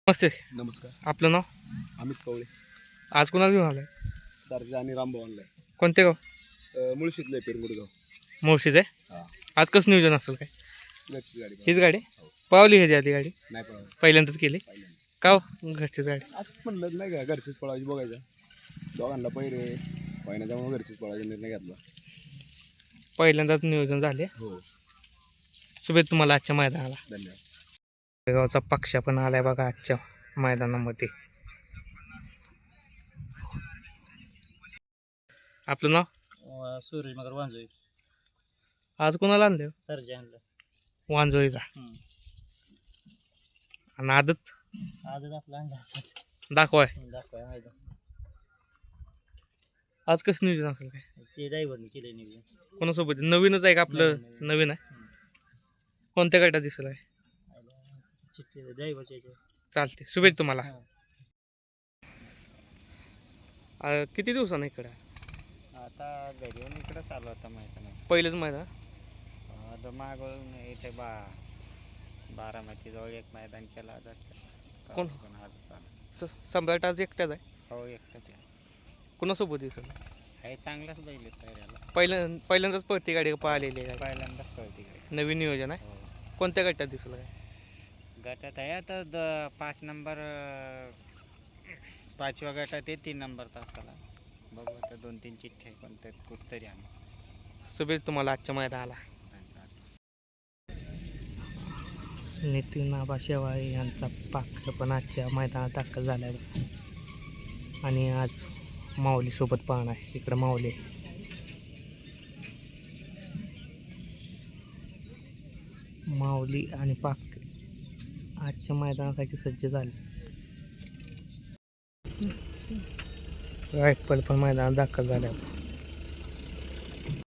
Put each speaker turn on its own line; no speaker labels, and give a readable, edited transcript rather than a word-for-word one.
नमस्ते.
नमस्कार.
आपलं नाव?
अमित कवळे.
आज कोणाला घेऊन आलाय?
सरजा आणि रामभाऊ आणलाय.
कोणते गाव?
मुळशीतलं पेरमुडगाव.
मुळशीच आहे.
हां,
आज कसं नियोजन असेल काय?
घरची गाडी
हीच गाडी
हो.
पावली ह्याची आधी गाडी
नाही पळावं
पहिल्यांदाच केली
पहिल्यांदा.
का हो? घरचीच गाडी.
असंच म्हणलं नाही का घरचीच पळायची बघायचं. दोघांना पहिले पहिल्या त्यामुळे घरचीच पळायचा निर्णय घेतला.
पहिल्यांदाच नियोजन झाले.
हो,
शुभेच्छा तुम्हाला आजच्या मैदानाला.
धन्यवाद.
गावचा पक्ष पण आलाय बघा आजच्या मैदानामध्ये. आपलं नाव?
सूर्यनगर वांजोळी.
आज कोणाला आणलं?
सरजा आणलं.
वांजोळीचा. आणि आदत
आजच आपला आणला
दाखवाय.
दाखवाय माहिती
आज कसं नियोजन असेल काय?
ते ड्रायव्हरने केले नियोजन.
कोणासोबत? नवीनच आहे का आपलं?
नवीन.
नवीन आहे. कोणत्या गटात दिसलं आहे?
चिठ्ठी ड्रायव्हरच्या
चालते. शुभेच्छा तुम्हाला.
हां.
किती दिवसानं इकडं?
आता घरी येऊन इकडं चालू आता माहिती नाही.
पहिलेच मैदान.
आता मागवून इथे बारामतीजवळ एक मैदान केला जातं.
कोण?
आज चालू.
सम्राट आज एकट्याच आहे.
हो एकटाच आहे.
कोणासोबत दिसलं?
हे चांगलाच बैल आहे पहिल्याला.
पहिल्यांदाच पळती गाडी पाहिलेली आहे.
पहिल्यांदाच कळते गाडी.
नवीन नियोजन आहे.
हो.
कोणत्या गटात दिसलं काय?
गटात आहे आता 5 नंबर 5व्या गटात आहे 3 नंबर तासाला. बघू आता 2-3 चिठ्ठ्या कोणत्या कुठतरी आम्ही.
शुभेच्छा तुम्हाला आजच्या मैदानाला. नितीन आबा शेवाळे यांचा पाखर पण आजच्या मैदानात दाखल झाला आहे. आणि आज माऊलीसोबत पाहणं आहे. इकडं माऊली आणि पाखर आजच्या मैदानासाठी सज्ज झाले. रायफल पण मैदानात दाखल झाले.